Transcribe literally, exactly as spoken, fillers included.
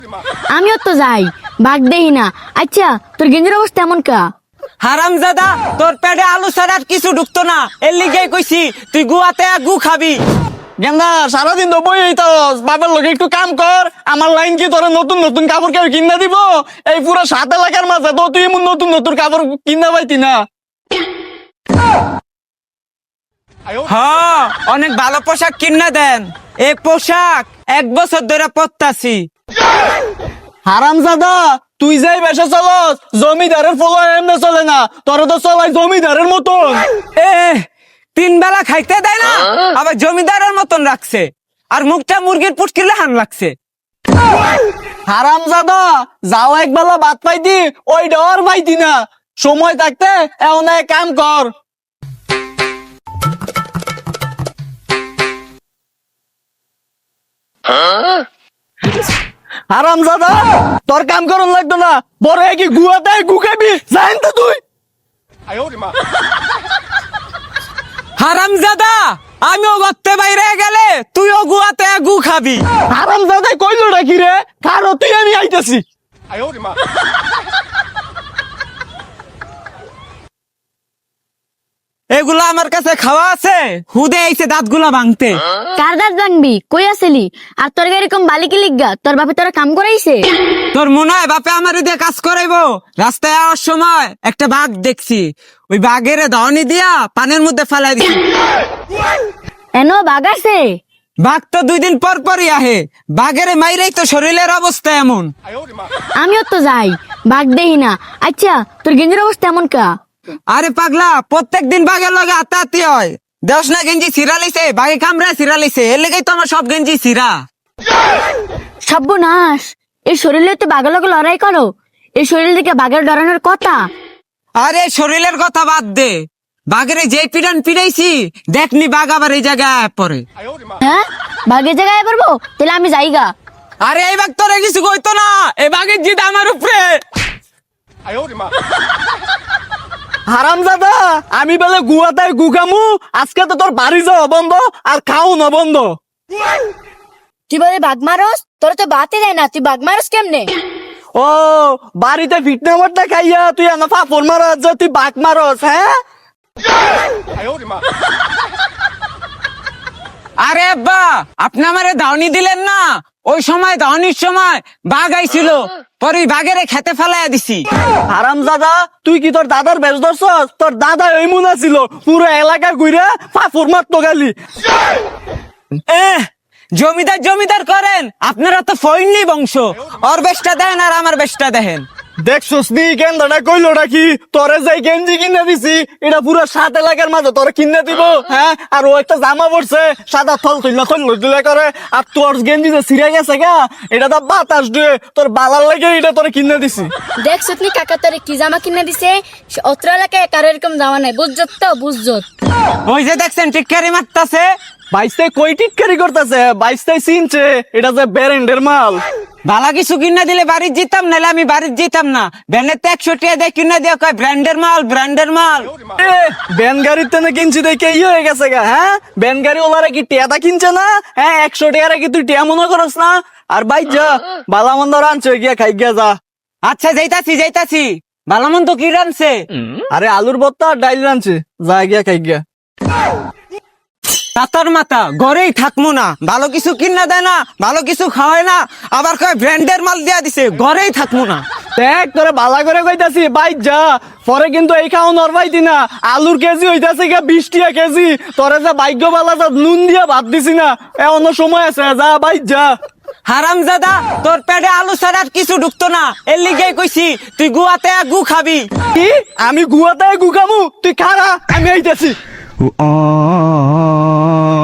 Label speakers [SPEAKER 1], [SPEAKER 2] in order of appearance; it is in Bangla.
[SPEAKER 1] আমিও তো যাই, বাঘ দেই না। আচ্ছা তোর গেঞ্জির অবস্থা এমন কা?
[SPEAKER 2] হারামজাদা, তোর পেটে আলু ছাড়া আর কিছু ঢুকতো না, এর লিগে কইছি তুই গুয়াতে গু খাবি।
[SPEAKER 3] গেন্দা সারাদিন তো বই হইতাস, বাবার লোকে একটু কাম কর। আমার লাইন কি তোরা নতুন নতুন কাপড় কেউ কিনা দিব? এই পুরো সাত এলাকার মাঝে তো তুই এমন নতুন নতুন কাপড় কিনা পাইতি না।
[SPEAKER 2] হ্যাঁ, অনেক ভালো পোশাক কিনা দেন। এই পোশাক এক বছর ধরে পরতাছি।
[SPEAKER 3] হারামজাদা, তুই যাই বেশে চলস, জমিদারের ফলো এমনি চলে না, তোরা তো চলাই জমিদারের মতন।
[SPEAKER 2] এ তিন বেলা খাইতে দেয় না, আবার জমিদারের মতন রাখছে, আর মুখটা মুরগির পুটকিলে হান লাগছে।
[SPEAKER 3] হারামজাদা, যাও একবেলা ভাত পাইতি, ওই ডর পাইতি না। সময় থাকতে এমন এক কাম কর। হারামজাদা, তোর কাম করন লাগতো না, বড় কি গুয়াতে গু খাবি, জানেন তো তুই।
[SPEAKER 2] হারামজাদা, আমিও গত্তে বাইরে গেলে তুইও গুয়াতে গু খাবি।
[SPEAKER 3] হারামজাদা কইলো নাকি রে, কারো তুই আমি আইতেছি।
[SPEAKER 2] এগুলা আমার কাছে খাওয়া আছে, হুদে আইছে দাঁতগুলা ভাঙতে।
[SPEAKER 1] কার দাঁত ভাঙবি, কই আসলি? আর তোর এরকম বালিকি লিগা তোর বাপে তোরা কাম করাইছে?
[SPEAKER 2] তোর মনে হয় বাপে আমার দিয়ে কাজ করাইবো? রাস্তায় আসার সময় একটা বাঘ দেখছি, ওই বাঘের দাওনি দিয়া পানের মধ্যে ফেলাই দিছি।
[SPEAKER 1] এনো বাঘ আছে?
[SPEAKER 2] বাঘ তো দুই দিন পর পরই আহে, বাঘের মাইরেই তো শরীরের অবস্থা এমন।
[SPEAKER 1] আমিও তো যাই, বাঘ দেই না। আচ্ছা তোর গেঞ্জির অবস্থা এমন কা?
[SPEAKER 2] আরে পাগলা, প্রত্যেক দিন বাঘের লগে আত্মাহাতি হয়। দেশ না গেঞ্জি ছিঁড়া লিছে, বাঘে কামড়া ছিঁড়া লিছে, এর লেগেই তো আমার সব গেঞ্জি ছিঁড়া।
[SPEAKER 1] সর্বনাশ, এই শরীরে তো বাঘের লগে লড়াই করো, এই শরীর থেকে বাঘের ডরানোর কথা।
[SPEAKER 2] আরে শরীরের কথা বাদ দে, বাঘের যে পিডান পিড়াইছি, দেখনি বাঘ আবার এই জায়গায় পরে।
[SPEAKER 1] হ্যাঁ, বাঘের জায়গায় পারবো? তাহলে আমি যাইগা।
[SPEAKER 2] আরে এই বাঘ তোরে কিছু কইতো না, এই বাঘের জিদ আমার উপরে।
[SPEAKER 3] হারামজাদা, আমি বলে গুয়াতে গু খামু, আজকে তো তোর বাড়ি যাওয়া বন্ধ আর খাও না বন্ধ।
[SPEAKER 1] তুই বলে বাঘ মারস? তোর তো বাতে যায় না, তুই বাঘ মারস কেমনে?
[SPEAKER 3] ও, বাড়িতে ফিটনা মারটা খাইয়া তুই আনা ফাফর মারস, যে তুই বাঘ মারস? হ্যাঁ,
[SPEAKER 2] আরে আব্বা, আপনি আমারে দাওনি দিলেন না, ওই সময় দাওনির সময় বাঘ আইছিল, পরে ওই বাঘেরে খেতে ফেলাইয়া দিছি।
[SPEAKER 3] হারামজাদা, তুই কি তোর দাদার বেশ ধরছস? তোর দাদা ওই মুনা ছিল, পুরো এলাকা ঘুরে ফাফর মারতো গালি।
[SPEAKER 2] এহ, জমিদার জমিদার করেন, আপনারা তো ফইনি বংশ, ওর বেশটা দেন আর আমার বেশটা দেখেন।
[SPEAKER 3] দেখছস নি কেন্দাটা কইলো নাকি, তোরে যাই গেঞ্জি কিনে দিছি, এটা পুরো সাত এলাকার মাঝে তোরে কিনে দিব। হ্যাঁ, আর ও একটা জামা পড়ছে সাদা থল তুইলা থল তুলে করে, আর তোর গেঞ্জি যে ছিঁড়ে গেছে গা, এটা তো বাতাস দিয়ে তোর বালার লাগে এটা তোরে কিনে দিছি।
[SPEAKER 1] দেখ সুতনি কাকা তোরে কি জামা কিনে দিছে, অত্র এলাকায় কারো এরকম জামা নাই, বুঝছত তো বুঝছত।
[SPEAKER 2] ওই যে দেখছেন টিক্কারি মারতাছে,
[SPEAKER 3] বাইশটাই কই টিটকারি করতেছে, বাইশটাই চিনছে এটা যে ব্যারেন্ডের মাল।
[SPEAKER 2] বালা কিছু কিনা দিলে বাড়ির জিতাম, নাহলে আমি বাড়ির জিতাম না। ব্যানের তো একশো টিয়া দিয়ে কিনা দিয়ে কয় ব্র্যান্ডের মাল, ব্র্যান্ডের মাল।
[SPEAKER 3] এ, ব্যান গাড়িতে না কিনছি দেখে ই হয়ে গেছে গা। হ্যাঁ, ব্যান গাড়ি ওলারা কি টিয়াটা কিনছে না? হ্যাঁ, একশো টিয়ারা কি তুই টিয়া মনে করস না? আর ভাই যা বালা মন্দ রানছে গিয়া খাই গিয়া যা।
[SPEAKER 2] আচ্ছা যাইতাছি যাইতাছি, ভালো মন্দ কি রানছে?
[SPEAKER 3] আরে আলুর ভর্তা আর ডাইল রানছে, যা গিয়া খাই গিয়া।
[SPEAKER 2] তাতার মাথা, ঘরেই থাকবো না, ভালো কিছু কিনা দেয় না, ভালো কিছু খাওয়ায় না, আবার কয় ব্র্যান্ডের মাল দিয়া দিছে, ঘরেই থাকবো না।
[SPEAKER 3] দেখ তোরে বালা করে কইতাছি, ভাই যা, পরে কিন্তু এই খাও নরবাইতি না। আলুর কেজি হইতাছে গিয়া বিশ টিয়া কেজি, তোরে যে ভাগ্য বালা যা নুন দিয়া ভাত দিছি না, এমন সময় আছে, যা ভাই যা।
[SPEAKER 2] হারামজাদা, তোর পেটে আলু ছাড়া আর কিছু ঢুকতো না, এর লিগে কইছি তুই গুয়াতে গু খাবি।
[SPEAKER 3] কি, আমি গুয়াতে গু খামু? তুই খারা, আমি আইতাছি।